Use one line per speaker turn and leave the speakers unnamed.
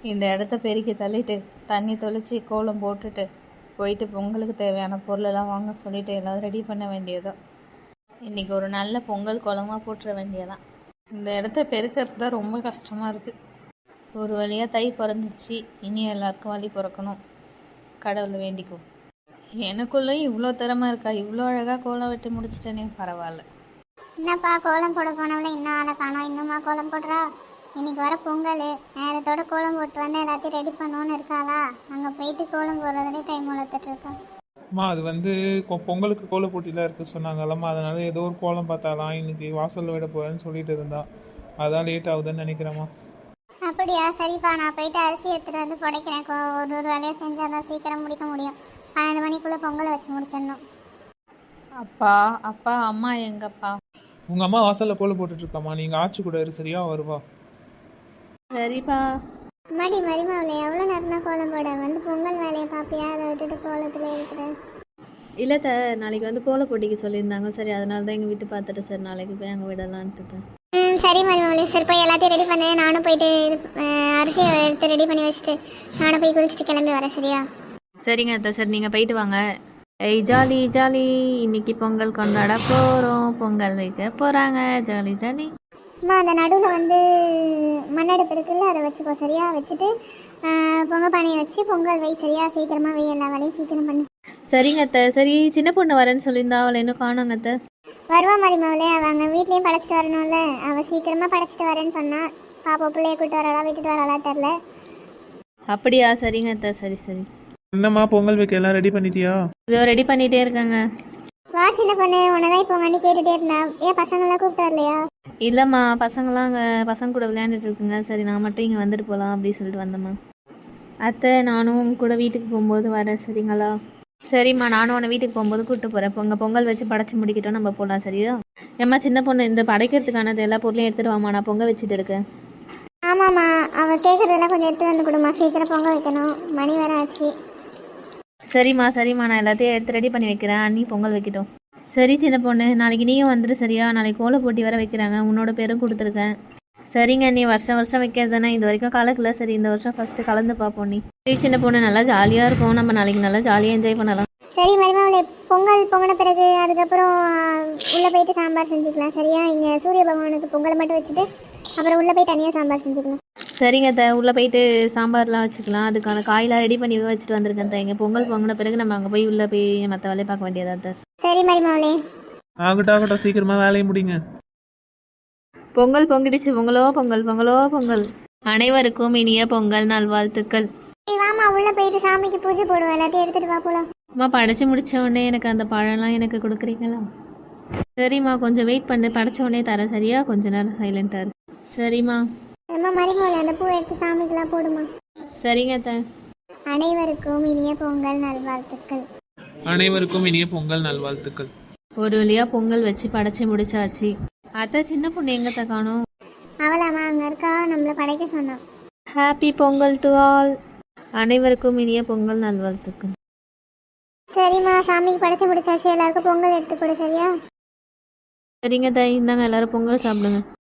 இந்த இடத்த பெருக்கி தள்ளிட்டு தண்ணி தொளிச்சு கோலம் போட்டுட்டு போயிட்டு பொங்கலுக்கு தேவையான பொருளெல்லாம் வாங்க சொல்லிட்டு எல்லாம் ரெடி பண்ண வேண்டியதான். இன்றைக்கி ஒரு நல்ல பொங்கல் கோலமாக போட்டுற வேண்டியதான். இந்த இடத்த பெருக்கிறது தான் ரொம்ப கஷ்டமாக இருக்குது. ஒரு வழியாக தை பிறந்துச்சு, இனி எல்லாருக்கும் வழி பிறக்கணும். கடவுளை வேண்டிக்கும். எனக்குள்ளேயும் இவ்வளோ திறமை இருக்கா? இவ்வளோ அழகாக கோலம் வெட்டி முடிச்சிட்டேனே, பரவாயில்ல.
என்னப்பா கோலம் போட போனவள இன்னும் ஆளை காணோம், இன்னுமா கோலம் போடுறா? இன்னைக்கு வர பொங்கல் நேரத்தோட கோலம் போட்டு வந்து எல்லாத்தையும் ரெடி பண்ணுவோன்னு இருக்காளா? அங்கே போயிட்டு கோலம் போடுறதுலேயே டைம் வளர்த்துட்டு இருக்கா.
அம்மா அது வந்து பொங்கலுக்கு கோல போட்டிலாம் இருக்குது சொன்னாங்கல்லம்மா, அதனால ஏதோ ஒரு கோலம் பார்த்தாலாம் இன்னைக்கு வாசலில் விட போகிறேன்னு சொல்லிட்டு இருந்தா, அதான் லேட் ஆகுதுன்னு நினைக்கிறேம்மா.
அப்படியா? சரிப்பா, நான் போயிட்டு அரிசி எடுத்துகிட்டு வந்து புடைக்கிறேன். ஒரு வேலையை செஞ்சால் தான் சீக்கிரம் முடிக்க முடியும். 12 மணிக்குள்ளே பொங்கலை வச்சு முடிச்சிடணும்.
அப்பா அப்பா அம்மா எங்கப்பா?
உங்கள் அம்மா வாசலில் கோல போட்டுட்ருக்காம்மா, நீங்கள் ஆச்சு கூட இரு, சரியா வருவா.
சரிப்பா.
மடி மரிமாவில் எவ்வளோ நேரம் தான் கோலம் போட வந்து பொங்கல் வேலையை பார்ப்பியா? அதை விட்டுட்டு கோலத்தில் இருக்கிறேன்.
இல்லை நாளைக்கு வந்து கோல போட்டிக்கு சொல்லியிருந்தாங்க. சரி, அதனால தான் எங்கள் வீட்டு பார்த்துட்டு சார் நாளைக்கு போய் அங்கே விடலான்ட்டு.
சரி மரிமாவில், சரி போய் எல்லாத்தையும் ரெடி பண்ணேன். நானும் போயிட்டு அரிசியை எடுத்து ரெடி பண்ணி வச்சுட்டு நானும் போய் குளிச்சுட்டு கிளம்பி வரேன், சரியா?
சரிங்க அத்தை, சரி நீங்கள் போயிட்டு வாங்க. ஏய் ஜாலி ஜாலி, இன்னைக்கு பொங்கல் கொண்டாட போகிறோம், பொங்கல் வைக்க போகிறாங்க, ஜாலி ஜாலி.
அம்மா அந்த நடுவில் வந்து மண்ணெடுப்பு இருக்குல்ல, அதை வச்சுக்கோ, சரியா? வச்சுட்டு பொங்கல் பானையை வச்சு பொங்கல் வை, சரியா? சீக்கிரமாக வை, எல்லா வேலையும் சீக்கிரம் பண்ணு.
சரிங்க அத்தை. சரி, சின்ன பொண்ணு வரேன்னு சொல்லியிருந்தா, அவளை இன்னும் காணோங்க அத்தை.
வருவா மரிமாவிலே, அவங்க வீட்லேயும் படைச்சிட்டு வரணும்ல. அவள் சீக்கிரமாக படைச்சிட்டு வரேன்னு சொன்னா. பாப்பா பிள்ளைய கூப்பிட்டு வரலா விட்டுட்டு வரலா தெரில.
அப்படியா? சரிங்க அத்தை, சரி சரி.
என்னம்மா பொங்கல் வைக்க எல்லாம் ரெடி பண்ணிட்டியா?
இதோ ரெடி பண்ணிகிட்டே இருக்காங்க.
வா சின்ன பொண்ணு, உன்னதான் இப்போ வண்டி கேட்டுகிட்டே இருந்தா. ஏன் பசங்களாம் கூப்பிட்டு வரலையா?
இல்லைம்மா, பசங்களாம் அங்கே பசங்க கூட விளையாண்டுட்டு இருக்குங்க. சரி, நான் மட்டும் இங்கே வந்துட்டு போகலாம் அப்படின்னு சொல்லிட்டு வந்தேம்மா. அத்தை, நானும் கூட வீட்டுக்கு போகும்போது வரேன், சரிங்களா? சரிம்மா, நானும் உன்னை வீட்டுக்கு போகும்போது கூப்பிட்டு போகிறேன். பொங்கல் வச்சு படைச்சி முடிக்கிட்டோம், நம்ம போகலாம், சரியா? ஏம்மா சின்ன பொண்ணு, இந்த படைக்கிறதுக்கானது எல்லா பொருளையும் எடுத்துகிட்டு வாம்மா, நான் பொங்கல் வச்சுட்டு இருக்கேன்.
ஆமாம்மா, அவள் கேட்குறதெல்லாம் கொஞ்சம் எடுத்து வந்து கொடுமா, சீக்கிரம் பொங்கல் வைக்கணும், மணி வேற ஆச்சு.
சரிம்மா சரிம்மா, நான் எல்லாத்தையும் எடுத்து ரெடி பண்ணி வைக்கிறேன், அண்ணி பொங்கல் வைக்கிட்டோம். சரி சின்ன பொண்ணு, நாளைக்கு நீயும் வந்துடு, சரியா? நாளைக்கு கோல போட்டி வர வைக்கிறாங்க, உன்னோட பேரும் கொடுத்துருக்கேன். சரிங்க நீ வருஷம் வருஷம் வைக்கிறது தானே, இது வரைக்கும் கலக்கல, சரி இந்த வருஷம் ஃபஸ்ட்டு கலந்து பார்ப்போம். நீ சரி சின்ன பொண்ணு, நல்லா ஜாலியாக இருக்கும், நம்ம நாளைக்கு நல்லா ஜாலியாக என்ஜாய் பண்ணலாம்.
சரி மரிமாவிலே, பொங்கல் பொங்கின பிறகு அதுக்கப்புறம் உள்ளே போயிட்டு சாம்பார் செஞ்சுக்கலாம், சரியா? இங்கே சூரிய பகவானுக்கு பொங்கலை மட்டும் வச்சுட்டு அப்புறம் உள்ளே போய் தனியாக சாம்பார் செஞ்சுக்கலாம்.
சரிங்க உள்ளே போயிட்டு சாம்பார்லாம் வச்சுக்கலாம். அதுக்கான காயெல்லாம் ரெடி பண்ணி வச்சுட்டு வந்திருக்கேன் இங்கே பொங்கல் பொங்கின பிறகு நம்ம அங்கே போய் உள்ளே போய் மற்ற வேலையை பார்க்க வேண்டியதா?
சரி மரிமாவிலே.
ஆகட்டும் சீக்கிரமாக வேலையை முடிங்க.
பொங்கல் பொங்கிடுச்சு. பொங்கலோ பொங்கல், பொங்கலோ பொங்கல். அனைவருக்கும் இனிய பொங்கல் நல்வாழ்த்துக்கள்.
வாமா உள்ளே போயிட்டு சாமிக்கு பூஜை போடுவோம், எல்லாத்தையும் எடுத்துகிட்டு வா போலாம்.
அம்மா படைச்சி முடிச்ச உடனே எனக்கு அந்த பழம்லாம் எனக்கு கொடுக்குறீங்களா? சரிம்மா, கொஞ்சம் வெயிட் பண்ணு, படைச்ச உடனே தரேன், சரியா? கொஞ்ச நேரம் சைலண்டாக இருக்கு. சரிம்மா.
அம்மா மரிமாவிலே, அந்த பூ எடுத்து சாமிக்கெல்லாம் போடுமா.
சரிங்க
அனைவருக்கும் இனிய பொங்கல் நல்வாழ்த்துக்கள்.
அனைவருக்கும் இனிய பொங்கல் நல்வாழ்த்துக்கள்.
ஒரு வழியாக பொங்கல் வச்சு படைச்சி முடிச்சாச்சு. அத்தை, சின்ன பொண்ணு எங்கத்த காணோம்?
அவளாமா அங்கே இருக்கா, நம்மளை படைக்க சொன்னான்.
Happy Pongal to all. அனைவருக்கும் இனிய பொங்கல் நல்வாழ்த்துக்கள்.
சரிம்மா, சாமிக்கு படைச்சு முடிச்சாச்சு, எல்லாருக்கும் பொங்கல் எடுத்து கொடு, சரியா?
சரிங்க இந்தாங்க எல்லாரும் பொங்கல் சாப்பிடுங்க.